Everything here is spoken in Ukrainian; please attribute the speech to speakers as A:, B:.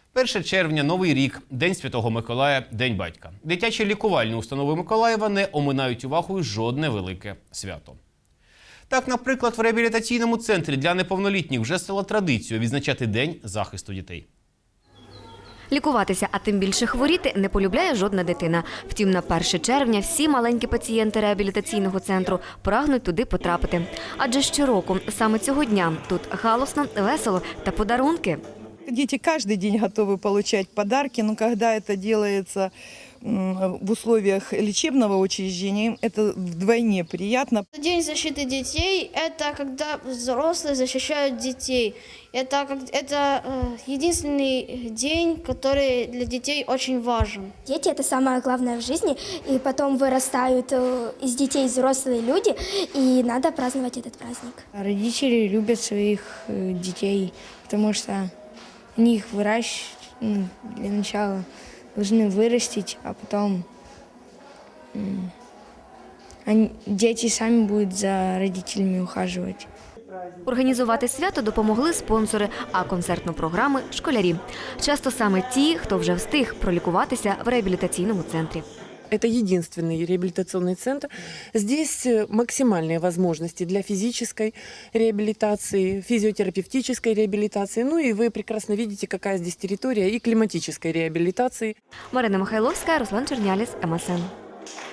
A: 1 червня – Новий рік, День Святого Миколая, День батька. Дитячі лікувальні установи Миколаєва не оминають увагою жодне велике свято. Так, наприклад, в реабілітаційному центрі для неповнолітніх вже стало традицією відзначати День захисту дітей.
B: Лікуватися, а тим більше хворіти, не полюбляє жодна дитина. Втім, на 1 червня всі маленькі пацієнти реабілітаційного центру прагнуть туди потрапити. Адже щороку, саме цього дня, тут галосно, весело та подарунки.
C: Дети каждый день готовы получать подарки, но когда это делается в условиях лечебного учреждения, это вдвойне приятно.
D: День защиты детей – это когда взрослые защищают детей. Это единственный день, который для детей очень важен.
E: Дети – это самое главное в жизни, и потом вырастают из детей взрослые люди, и надо праздновать этот праздник.
F: Родители любят своих детей, потому что они их выращивают, для начала должны вырастить, а потом дети сами будут за родителями ухаживать.
B: Організувати свято допомогли спонсори, а концертну програму – школярі. Часто саме ті, хто вже встиг пролікуватися в реабілітаційному центрі.
G: Это единственный реабилитационный центр. Здесь максимальные возможности для физической реабилитации, физиотерапевтической реабилитации. Ну и вы прекрасно видите, какая здесь территория и климатической реабилитации.
B: Марина Михайловська, Руслан Черняліс, МСН.